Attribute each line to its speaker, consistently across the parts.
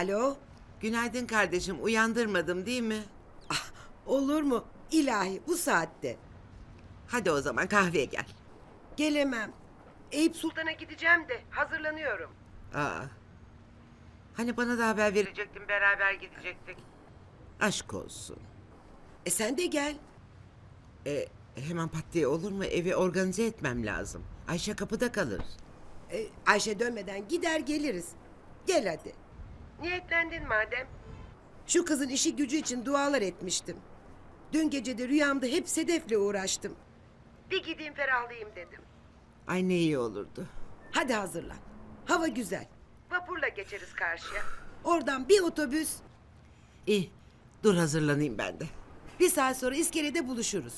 Speaker 1: Alo?
Speaker 2: Günaydın kardeşim, uyandırmadım değil mi?
Speaker 1: Olur mu? İlahi bu saatte.
Speaker 2: Hadi o zaman kahveye gel.
Speaker 1: Gelemem. Eyüp Sultan'a gideceğim de hazırlanıyorum.
Speaker 2: Aa. Hani bana da haber verecektin, beraber gidecektik. Aşk olsun.
Speaker 1: Sen de gel.
Speaker 2: Hemen pat diye olur mu? Evi organize etmem lazım. Ayşe kapıda kalır.
Speaker 1: Ayşe dönmeden gider geliriz. Gel hadi. Niyetlendin madem. Şu kızın işi gücü için dualar etmiştim. Dün gece de rüyamda hep Sedef'le uğraştım. Bir gideyim ferahlayayım dedim.
Speaker 2: Ay ne iyi olurdu.
Speaker 1: Hadi hazırlan. Hava güzel. Vapurla geçeriz karşıya. Oradan bir otobüs.
Speaker 2: İyi, dur hazırlanayım ben de.
Speaker 1: Bir saat sonra iskelede buluşuruz.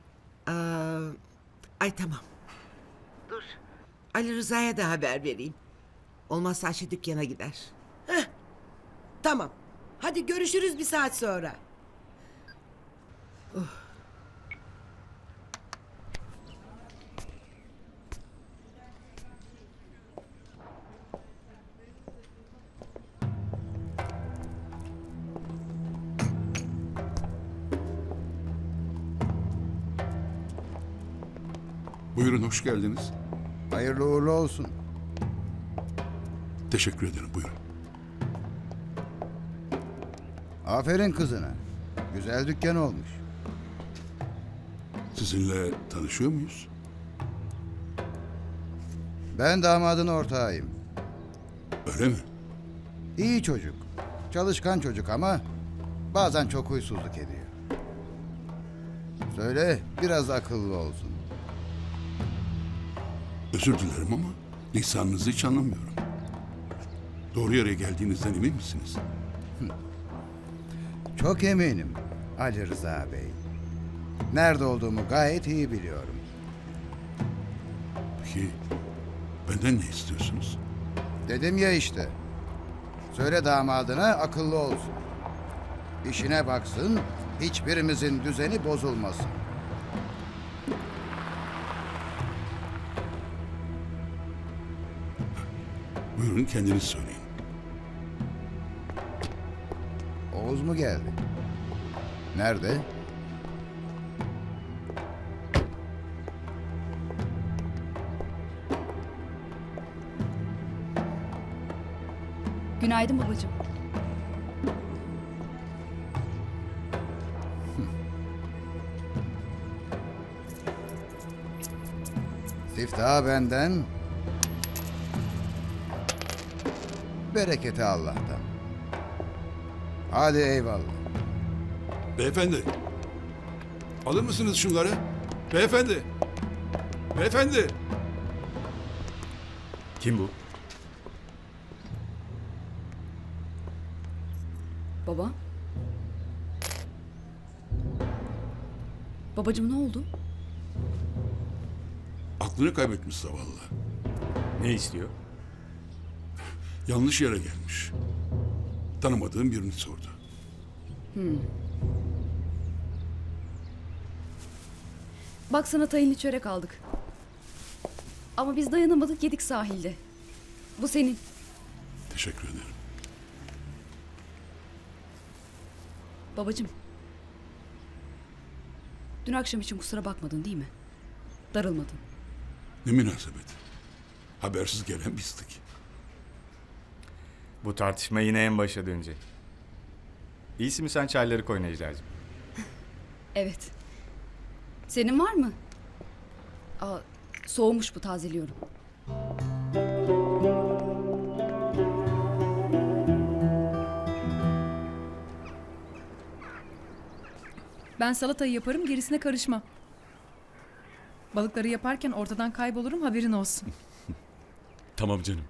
Speaker 2: Ay tamam. Dur. Ali Rıza'ya da haber vereyim. Olmazsa Ayşe dükkana gider.
Speaker 1: Tamam. Hadi görüşürüz bir saat sonra.
Speaker 3: Buyurun, hoş geldiniz.
Speaker 4: Hayırlı uğurlu olsun.
Speaker 3: Teşekkür ederim, buyurun.
Speaker 4: Aferin kızına. Güzel dükkan olmuş.
Speaker 3: Sizinle tanışıyor muyuz?
Speaker 4: Ben damadın ortağıyım.
Speaker 3: Öyle mi?
Speaker 4: İyi çocuk. Çalışkan çocuk ama bazen çok huysuzluk ediyor. Söyle biraz akıllı olsun.
Speaker 3: Özür dilerim ama lisanınızı hiç anlamıyorum. Doğru yere geldiğinizden emin misiniz?
Speaker 4: Çok eminim Ali Rıza Bey. Nerede olduğumu gayet iyi biliyorum.
Speaker 3: Peki benden ne istiyorsunuz?
Speaker 4: Dedim ya işte. Söyle damadına akıllı olsun. İşine baksın, hiçbirimizin düzeni bozulmasın.
Speaker 3: Buyurun, kendiniz söyleyin.
Speaker 4: Oğuz mu geldi? Nerede?
Speaker 5: Günaydın babacığım.
Speaker 4: Siftahı benden, bereketi Allah'tan. Hadi eyvallah.
Speaker 3: Beyefendi, alır mısınız şunları? Beyefendi! Beyefendi!
Speaker 6: Kim bu?
Speaker 5: Baba. Babacığım ne oldu?
Speaker 3: Aklını kaybetmiş zavallı.
Speaker 6: Ne istiyor?
Speaker 3: Yanlış yere gelmiş. Tanımadığım birini sordu.
Speaker 5: Bak sana tayinli çörek aldık. Ama biz dayanamadık yedik sahilde. Bu senin.
Speaker 3: Teşekkür ederim.
Speaker 5: Babacığım. Dün akşam için kusura bakmadın değil mi? Darılmadın.
Speaker 3: Ne münasebet. Habersiz gelen bizdik.
Speaker 6: Bu tartışma yine en başa dönecek. İyisi mi sen çayları koy Necla'cığım?
Speaker 5: Evet. Senin var mı? Soğumuş bu, tazeliyorum.
Speaker 7: Ben salatayı yaparım, gerisine karışmam. Balıkları yaparken ortadan kaybolurum, haberin olsun.
Speaker 8: Tamam canım.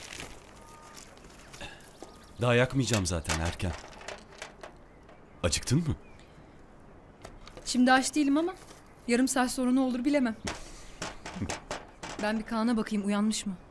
Speaker 8: Daha yakmayacağım zaten, erken. Acıktın mı?
Speaker 7: Şimdi aç değilim ama yarım saat sonra ne olur bilemem. Ben bir Kaan'a bakayım, uyanmış mı?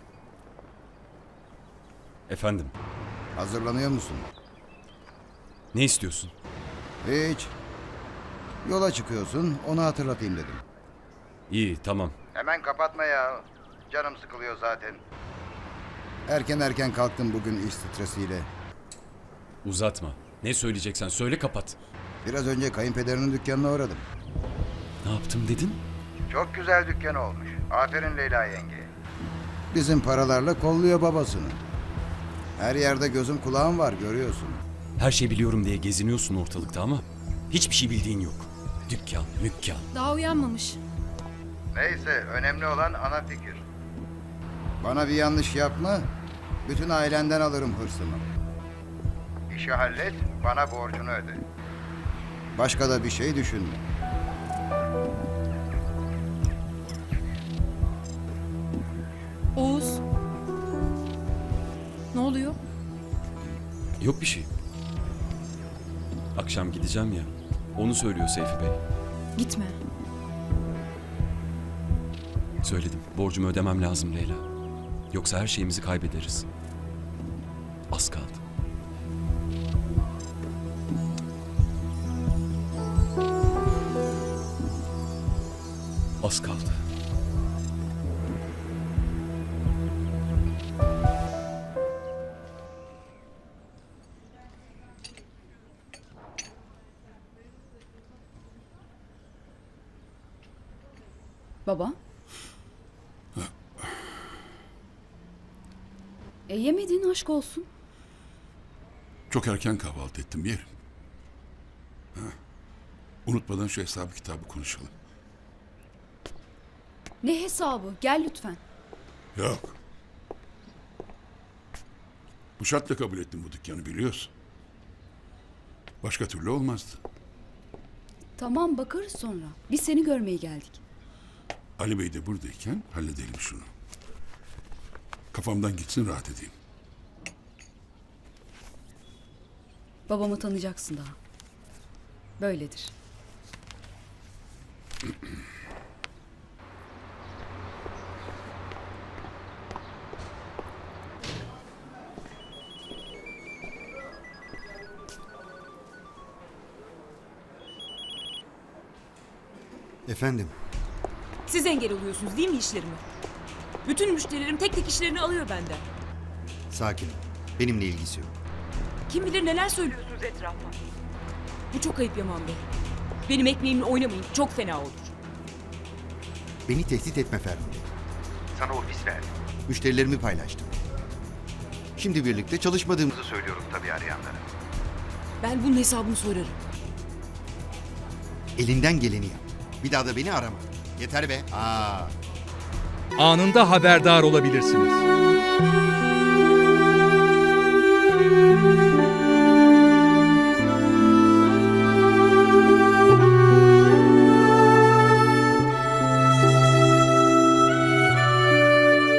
Speaker 8: Efendim?
Speaker 4: Hazırlanıyor musun?
Speaker 8: Ne istiyorsun?
Speaker 4: Hiç. Yola çıkıyorsun, onu hatırlatayım dedim.
Speaker 8: İyi, tamam.
Speaker 4: Hemen kapatma ya. Canım sıkılıyor zaten. Erken kalktım bugün iş stresiyle.
Speaker 8: Uzatma. Ne söyleyeceksen söyle, kapat.
Speaker 4: Biraz önce kayınpederinin dükkanına uğradım.
Speaker 8: Ne yaptım dedin?
Speaker 4: Çok güzel dükkan olmuş. Aferin Leyla yenge. Bizim paralarla kolluyor babasını. Her yerde gözüm kulağım var, görüyorsun.
Speaker 8: Her şeyi biliyorum diye geziniyorsun ortalıkta ama hiçbir şey bildiğin yok. Dükkan, mükkan.
Speaker 7: Daha uyanmamış.
Speaker 4: Neyse, önemli olan ana fikir. Bana bir yanlış yapma, bütün ailenden alırım hırsımı. İşi hallet, bana borcunu öde. Başka da bir şey düşünme.
Speaker 7: Oğuz. Ne oluyor?
Speaker 8: Yok bir şey. Akşam gideceğim ya. Onu söylüyor Seyfi Bey.
Speaker 7: Gitme.
Speaker 8: Söyledim. Borcumu ödemem lazım Leyla. Yoksa her şeyimizi kaybederiz. Az kaldı. Az kaldı.
Speaker 5: Baba. Yemedin, aşk olsun.
Speaker 3: Çok erken kahvaltı ettim, yerim. Ha. Unutmadan şu hesabı kitabı konuşalım.
Speaker 5: Ne hesabı? Gel lütfen.
Speaker 3: Yok. Bu şartla kabul ettim bu dükkanı, biliyorsun. Başka türlü olmazdı.
Speaker 5: Tamam, bakarız sonra. Biz seni görmeye geldik.
Speaker 3: Ali Bey de buradayken halledelim şunu. Kafamdan gitsin, rahat edeyim.
Speaker 5: Babamı tanıyacaksın daha. Böyledir.
Speaker 9: Efendim,
Speaker 10: Siz engel oluyorsunuz değil mi işlerime? Bütün müşterilerim tek tek işlerini alıyor benden.
Speaker 9: sakin ol. Benimle ilgisi yok.
Speaker 10: Kim bilir neler söylüyorsunuz etrafa. Bu çok ayıp Yaman Bey. Benim ekmeğimle oynamayın, çok fena olur.
Speaker 9: Beni tehdit etme Ferdi. Sana ofis verdim. Müşterilerimi paylaştım. Şimdi birlikte çalışmadığımızı söylüyorum tabii arayanlara.
Speaker 10: Ben bunun hesabını sorarım.
Speaker 9: Elinden geleni yap. Bir daha da beni arama. Yeter be.
Speaker 11: Anında haberdar olabilirsiniz.